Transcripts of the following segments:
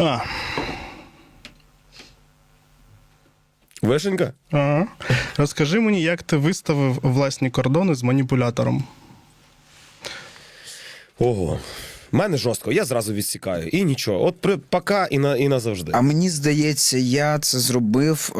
Вишенька? Ага. Розкажи мені, як ти виставив власні кордони з маніпулятором? Ого. В мене жорстко, я зразу відсікаю. І нічого. От пока і назавжди. А мені здається, я це зробив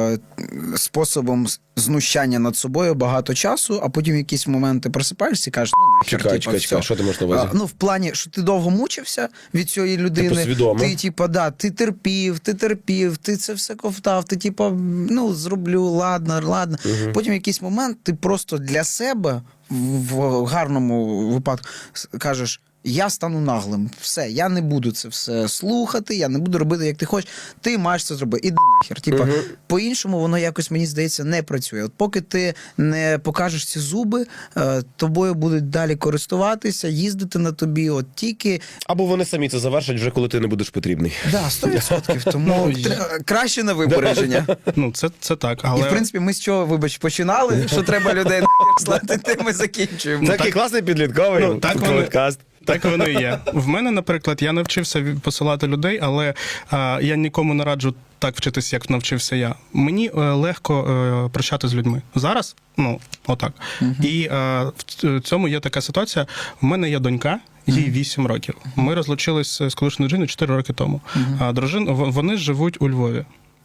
способом знущання над собою багато часу, а потім в якісь моменти просипаєшся і кажеш, ну нахер, Чекай, що ти можеш на увазі? Ну, в плані, що ти довго мучився від цієї людини. Типу свідомо? Ти терпів, ти це все ковтав, ти ну, зроблю, ладно. Угу. Потім в якийсь момент ти просто для себе, в гарному випадку, кажеш, я стану наглим. Все, я не буду це все слухати, я не буду робити, як ти хочеш. Ти маєш це зробити. Іди нахер. По-іншому воно якось, мені здається, не працює. От поки ти не покажеш ці зуби, тобою будуть далі користуватися, їздити на тобі, от тільки... Або вони самі це завершать вже, коли ти не будеш потрібний. Да, 100%. Тому краще на випередження. Ну, це так, але... І, в принципі, ми з чого, вибач, починали, що треба людей нахер слати, тим ми закінчуємо. Такий класний підлітковий подкаст. Так воно і є. В мене, наприклад, я навчився посилати людей, але я нікому не раджу так вчитися, як навчився я. Мені легко прощати з людьми. Зараз, ну, отак. І в цьому є така ситуація. У мене є донька, їй 8 років. Ми розлучились з колишньою дружиною 4 роки тому. Вони живуть у Львові.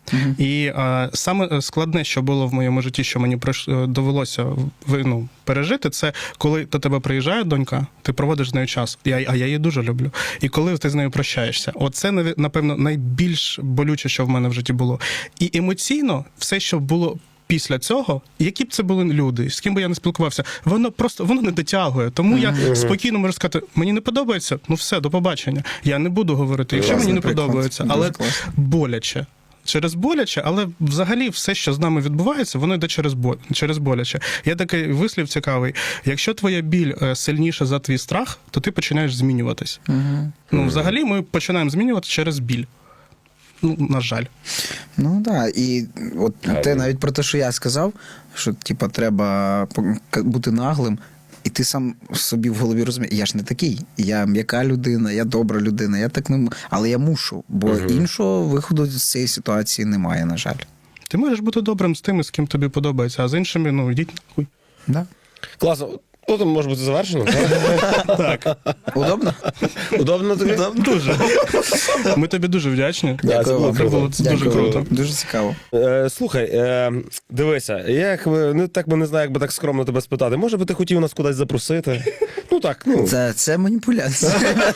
І саме складне, що було в моєму житті, що мені довелося пережити, це коли до тебе приїжджає донька, ти проводиш з нею час, а я її дуже люблю. І коли ти з нею прощаєшся, оце, напевно, найбільш болюче, що в мене в житті було. І емоційно все, що було після цього, які б це були люди, з ким би я не спілкувався, воно не дотягує. Тому я спокійно можу сказати, мені не подобається, ну все, до побачення. Я не буду говорити, якщо мені не подобається, але боляче. Через боляче, але взагалі все, що з нами відбувається, воно йде через боляче. Є такий вислів цікавий. Якщо твоя біль сильніша за твій страх, то ти починаєш змінюватись. Ну, взагалі ми починаємо змінюватися через біль. Ну, на жаль. Ну, так. І от те навіть про те, що я сказав, що, треба бути наглим, і ти сам собі в голові розумієш, я ж не такий, я м'яка людина, я добра людина, я так не але я мушу, бо іншого виходу з цієї ситуації немає, на жаль. Ти можеш бути добрим з тими, з ким тобі подобається, а з іншими, йдіть нахуй. Да. Класно. Ну, там може бути завершено. Так. Удобно? Удобно тобі? Дуже. Ми тобі дуже вдячні. Дякую вам. Це було дуже круто. Дуже цікаво. Слухай, дивися, я так би не знаю, як би так скромно тебе спитати. Може би ти хотів нас кудись запросити? Ну так, ну. Це маніпуляція.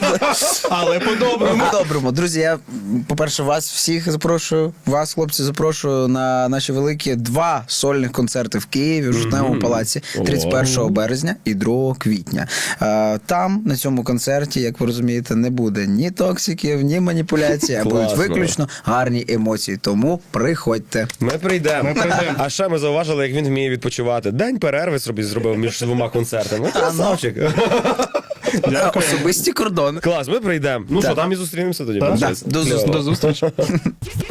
Але по-доброму. По-доброму. Друзі, я, по-перше, вас всіх запрошую, вас, хлопці, запрошую на наші великі 2 сольних концерти в Києві, в Жовтневому палаці 31 березня і 2 квітня. Там, на цьому концерті, як ви розумієте, не буде ні токсиків, ні маніпуляцій, а будуть виключно гарні емоції. Тому приходьте. Ми прийдемо. А ще ми зауважили, як він вміє відпочивати. День перерви собі зробив між 2 концертами. Красавчик. Особисті кордони. Клас, ми прийдемо. Ну що, там і зустрінемося тоді. До зустрічі.